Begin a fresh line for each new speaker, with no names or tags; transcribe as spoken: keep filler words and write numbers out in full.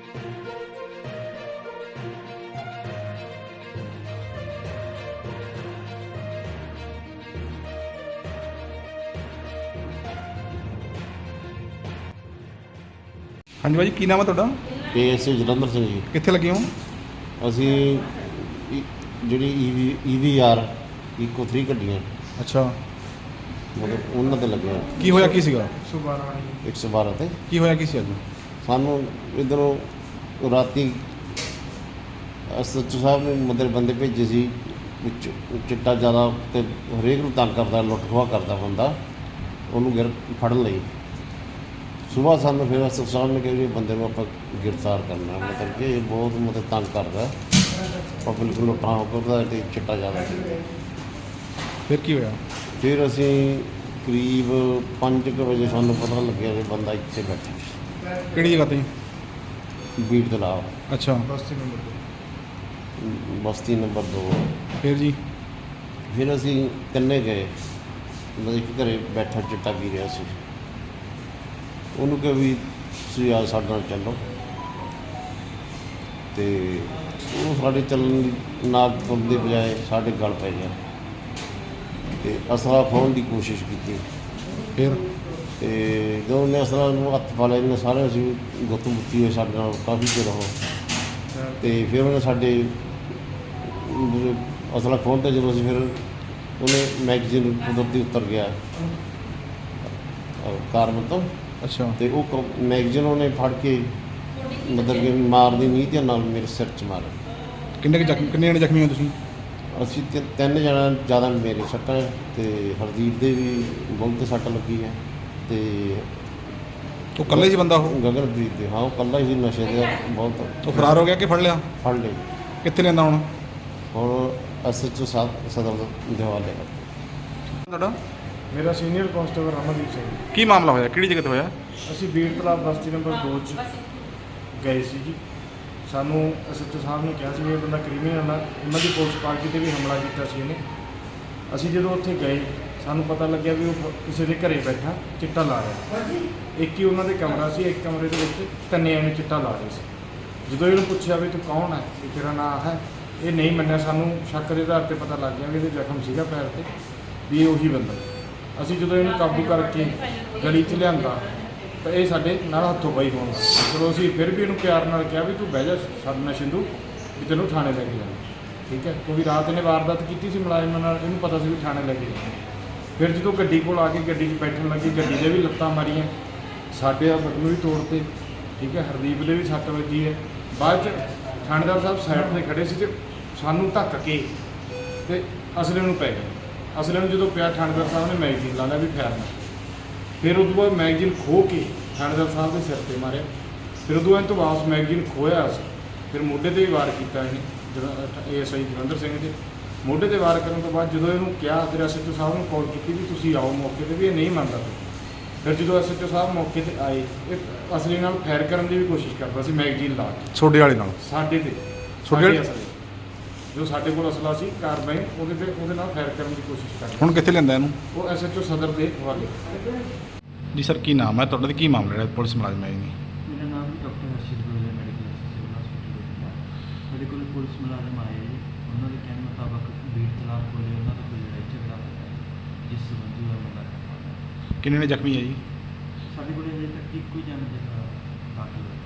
हाँ जी भाई, की नाम है तुहाडा?
के एस जलंधर सिंह जी।
कित्थे लगे हो?
ਅਸੀਂ ਜਿਹੜੀ ਈਵੀ ਈਵੀ ਆਰ ਇਕੋ ਥ੍ਰੀ ਗੱਡੀਆਂ
अच्छा,
ਮਤਲਬ ਉਹਨਾਂ ਤੇ ਲੱਗੇ ਹਾਂ।
की होया की सीगा?
ਇੱਕ ਸੌ ਬਾਰਾਂ ਤੇ
की होया की सी अज?
ਸਾਨੂੰ ਇੱਧਰੋਂ ਰਾਤੀ ਐਸ ਐਚ ਓ ਸਾਹਿਬ ਨੇ ਮਤਲਬ ਬੰਦੇ ਭੇਜੇ ਸੀ ਵਿੱਚ ਚਿੱਟਾ ਜ਼ਿਆਦਾ ਤੇ ਹਰੇਕ ਨੂੰ ਤੰਗ ਕਰਦਾ, ਲੁੱਟ ਖੋਹ ਕਰਦਾ ਬੰਦਾ, ਉਹਨੂੰ ਗਿਰ ਫੜਨ ਲਈ ਸੁਬਾਹ ਸਾਨੂੰ ਫਿਰ ਐਸ ਐਚ ਓ ਸਾਹਿਬ ਨੇ ਕਿਹਾ ਵੀ ਬੰਦੇ ਨੂੰ ਆਪਾਂ ਗ੍ਰਿਫਤਾਰ ਕਰਨਾ, ਮਤਲਬ ਕਿ ਇਹ ਬਹੁਤ ਮਤਲਬ ਤੰਗ ਕਰਦਾ ਪਬਲਿਕ ਨੂੰ, ਲੁੱਟਾਂ ਕਰਦਾ ਤੇ ਚਿੱਟਾ ਜ਼ਿਆਦਾ ਪੀਂਦਾ।
फिर की होया?
ਫਿਰ ਅਸੀਂ ਕਰੀਬ ਪੰਜ ਕੁ ਵਜੇ ਸਾਨੂੰ ਪਤਾ ਲੱਗਿਆ ਕਿ ਬੰਦਾ ਇੱਥੇ ਬੈਠਾ ਸੀ
किहड़ी जगह ते?
ਬੀੜ ਤਲਾਬ
अच्छा,
ਬਸਤੀ ਨੰਬਰ ਦੋ।
फिर जी?
ਫਿਰ ਅਸੀਂ ਤਿੰਨੇ ਗਏ, ਮਤਲਬ ਕਿ ਘਰੇ ਬੈਠਾ ਚਿੱਟਾ ਪੀ ਰਿਹਾ ਸੀ, ਉਹਨੂੰ ਕਿਹਾ ਵੀ ਤੁਸੀਂ ਆ ਸਾਡੇ ਨਾਲ ਚੱਲੋ, ਅਤੇ ਉਹ ਸਾਡੇ ਚੱਲਣ ਦੀ ਨਾਲ ਤੁਰਨ ਦੀ ਬਜਾਏ ਸਾਡੇ ਗਲ ਪੈ ਗਿਆ ਅਤੇ ਅਸਲਾ ਖੋਹਣ ਦੀ ਕੋਸ਼ਿਸ਼ ਕੀਤੀ।
फिर?
ਅਤੇ ਜਦੋਂ ਉਹਨੇ ਅਸਲਾ ਨੂੰ ਹੱਥ ਪਾ ਲਿਆ, ਇਹਨੇ ਸਾਰੇ ਅਸੀਂ ਗੁੱਤ ਮੁੱਤੀ ਹੋਏ ਸਾਡੇ ਨਾਲ ਕਾਫੀ ਚਿਰ ਉਹ, ਅਤੇ ਫਿਰ ਉਹਨੇ ਸਾਡੇ ਅਸਲਾ ਖੋਹਣ 'ਤੇ ਜਦੋਂ ਅਸੀਂ ਫਿਰ ਉਹਨੇ ਮੈਗਜ਼ੀਨ ਕੁਦਰਤੀ ਉੱਤਰ ਗਿਆ ਕਾਰਬਨ ਤੋਂ,
अच्छा,
ਅਤੇ ਉਹ ਕ ਮੈਗਜ਼ੀਨ ਉਹਨੇ ਫੜ ਕੇ ਮਤਲਬ ਕਿ ਮਾਰਦੀ ਨੀਂਹ ਦੇ ਨਾਲ ਮੇਰੇ ਸਿਰ 'ਚ ਮਾਰਿਆ।
किन्ने जख्मी किन्ने जने जख्मी हो तुसीं?
ਅਸੀਂ ਤਿ ਤਿੰਨ ਜਣਾ, ਜ਼ਿਆਦਾ ਮੇਰੇ ਸੱਟਾਂ ਹੈ ਅਤੇ ਹਰਦੀਪ ਦੇ ਵੀ ਬਹੁਤ 'ਤੇ ਸੱਟ ਲੱਗੀ ਹੈ, ਅਤੇ
तो कल्ले ही बंदा हो?
ਗਗਨਪ੍ਰੀਤ ਦੇ, ਹਾਂ ਉਹ ਇਕੱਲਾ ਹੀ ਨਸ਼ੇ ਦੇ ਬਹੁਤ।
तो फरार हो गया कि फड़ लिया?
ਫੜ ਲਏ,
कित्थे लेंदा हुण?
ਹੁਣ ਐਸ ਐਚ ਓ ਸਾਹਿਬ ਸਦਰ ਦੇ ਹਵਾਲੇ ਕਰ।
तुहाडा
मेरा सीनियर कांस्टेबल रमनदीप सिंह।
की मामला होया? किहड़ी जगह ते होया?
ਅਸੀਂ ਬੀੜ ਤਲਾਬ ਬਸਤੀ ਨੰਬਰ ਦੋ 'ਚ ਗਏ ਸੀ ਜੀ। ਸਾਨੂੰ ਐਸ ਐਚ ਓ ਸਾਹਿਬ ਨੇ ਕਿਹਾ ਸੀ ਵੀ ਇਹ ਬੰਦਾ ਕ੍ਰਿਮੀਨਲ ਆ, ਉਹਨਾਂ ਦੀ ਪੁਲਿਸ ਪਾਰਟੀ 'ਤੇ ਵੀ ਹਮਲਾ ਕੀਤਾ ਸੀ ਇਹਨੇ। ਅਸੀਂ ਜਦੋਂ ਉੱਥੇ ਗਏ ਸਾਨੂੰ ਪਤਾ ਲੱਗਿਆ ਵੀ ਉਹ ਕਿਸੇ ਦੇ ਘਰੇ ਬੈਠਾ ਚਿੱਟਾ ਲਾ ਰਿਹਾ। ਇੱਕ ਹੀ ਉਹਨਾਂ ਦੇ ਕਮਰਾ ਸੀ, ਇੱਕ ਕਮਰੇ ਦੇ ਵਿੱਚ ਤਿੰਨੇ ਐਵੇਂ ਚਿੱਟਾ ਲਾ ਰਹੇ ਸੀ। ਜਦੋਂ ਇਹਨੂੰ ਪੁੱਛਿਆ ਵੀ ਤੂੰ ਕੌਣ ਹੈ, ਵੀ ਤੇਰਾ ਨਾਂ ਹੈ, ਇਹ ਨਹੀਂ ਮੰਨਿਆ। ਸਾਨੂੰ ਸ਼ੱਕ ਦੇ ਆਧਾਰ 'ਤੇ ਪਤਾ ਲੱਗ ਗਿਆ ਵੀ ਇਹਦੇ ਜ਼ਖਮ ਸੀਗਾ ਪੈਰ 'ਤੇ, ਵੀ ਇਹ ਉਹੀ ਬੰਦਾ। ਅਸੀਂ ਜਦੋਂ ਇਹਨੂੰ ਕਾਬੂ ਕਰਕੇ ਗਲੀ 'ਚ ਲਿਆਂਦਾ ਤਾਂ ਇਹ ਸਾਡੇ ਨਾਲ ਹੱਥੋਂ ਪਾਈ ਹੋਣ ਲੱਗਾ। ਚਲੋ ਅਸੀਂ ਫਿਰ ਵੀ ਇਹਨੂੰ ਪਿਆਰ ਨਾਲ ਕਿਹਾ ਵੀ ਤੂੰ ਬਹਿ ਜਾ ਸਾਡੇ ਨਾਲ ਸਿੰਧੂ, ਵੀ ਤੈਨੂੰ ਥਾਣੇ ਲੈ ਕੇ ਜਾਣਾ, ਠੀਕ ਹੈ, ਕਿਉਂਕਿ ਰਾਤ ਇਹਨੇ ਵਾਰਦਾਤ ਕੀਤੀ ਸੀ ਮੁਲਾਜ਼ਮਾਂ ਨਾਲ, ਇਹਨੂੰ ਪਤਾ ਸੀ ਵੀ ਥਾਣੇ ਲੈ ਕੇ ਜਾਣਾ। ਫਿਰ ਜਦੋਂ ਗੱਡੀ ਕੋਲ ਆ ਕੇ ਗੱਡੀ 'ਚ ਬੈਠਣ ਲੱਗੀ, ਗੱਡੀ ਦੇ ਵੀ ਲੱਤਾਂ ਮਾਰੀਆਂ, ਸਾਡੇ ਆ ਬਟਨ ਵੀ ਤੋੜਤੇ, ਠੀਕ ਹੈ, ਹਰਦੀਪ ਦੇ ਵੀ ਸੱਟ ਵੱਜੀ ਹੈ। ਬਾਅਦ 'ਚ ਥਾਣੇਦਾਰ ਸਾਹਿਬ ਸਾਈਡ 'ਤੇ ਖੜ੍ਹੇ ਸੀ ਅਤੇ ਸਾਨੂੰ ਧੱਕ ਕੇ ਅਤੇ ਅਸਲੇ ਨੂੰ ਪੈ ਗਏ। ਅਸਲੇ ਨੂੰ ਜਦੋਂ ਪਿਆ, ਥਾਣੇਦਾਰ ਸਾਹਿਬ ਨੇ ਮੈਗਜ਼ੀਨ ਲਾ ਲਿਆ ਵੀ ਫੈਰਨਾ। ਫਿਰ ਉਦੋਂ ਬਾਅਦ ਮੈਗਜ਼ੀਨ ਖੋਹ ਕੇ ਥਾਣੇਦਾਰ ਸਾਹਿਬ ਦੇ ਸਿਰ 'ਤੇ ਮਾਰਿਆ। ਫਿਰ ਉਦੋਂ ਬਾਅਦ ਤੋਂ ਵਾਪਸ ਮੈਗਜ਼ੀਨ ਖੋਇਆ ਸੀ, ਫਿਰ ਮੋਢੇ 'ਤੇ ਵੀ ਵਾਰ ਕੀਤਾ ਇਹਨੇ, ਜਦੋਂ A S I Jalandhar Singh ਦੇ ਮੋਢੇ 'ਤੇ ਵਾਰ ਕਰਨ ਤੋਂ ਬਾਅਦ ਜਦੋਂ ਇਹਨੂੰ ਕਿਹਾ, ਫਿਰ ਐਸ ਐਚ ਓ ਸਾਹਿਬ ਨੂੰ ਕਾਲ ਕੀਤੀ ਵੀ ਤੁਸੀਂ ਆਓ ਮੌਕੇ 'ਤੇ, ਵੀ ਇਹ ਨਹੀਂ ਮੰਨਦਾ ਸੀ। ਫਿਰ ਜਦੋਂ ਐਸ ਐਚ ਓ ਸਾਹਿਬ ਮੌਕੇ 'ਤੇ ਆਏ, ਇਹ ਅਸਲੀ ਨਾਲ ਫਾਇਰ ਕਰਨ ਦੀ ਵੀ ਕੋਸ਼ਿਸ਼ ਕਰਦਾ ਸੀ ਮੈਗਜ਼ੀਨ ਲਾ ਕੇ
छोटे वाले नाल?
ਸਾਡੇ 'ਤੇ।
ਤੁਹਾਡੇ
ਸਾਡੇ ਅਸਲੇ ਜੋ ਸਾਡੇ ਕੋਲ ਅਸਲਾ ਸੀ ਕਾਰਬਾਈ, ਉਹਦੇ 'ਤੇ ਉਹਦੇ ਨਾਲ ਫਾਇਰ ਕਰਨ ਦੀ ਕੋਸ਼ਿਸ਼ ਕਰਦਾ।
हुण कित्थे लेंदा इहनूं?
ਉਹ ਐਸ ਐਚ ਓ ਸਦਰ ਦੇ ਹਵਾਲੇ।
जी सर, की नाम है तुहाडा ते की मामला है पुलिस मुलाजम है जी?
मेरा नाम भी डॉक्टर हर्षित गोयल है, मेडिकल सिविल हॉस्पिटल बठिंडा। मेरे को पुलिस मुलाजम आए जी, उन्होंने कहने मुताबिक बीड़ तलाब कोले उन्होंने कोई लड़ाई झगड़ा होया जिस संबंधी वो मुलाजम
किन्ने ने जख्मी है जी?
साढ़े को अजे तक एक कोई जाने का बाकी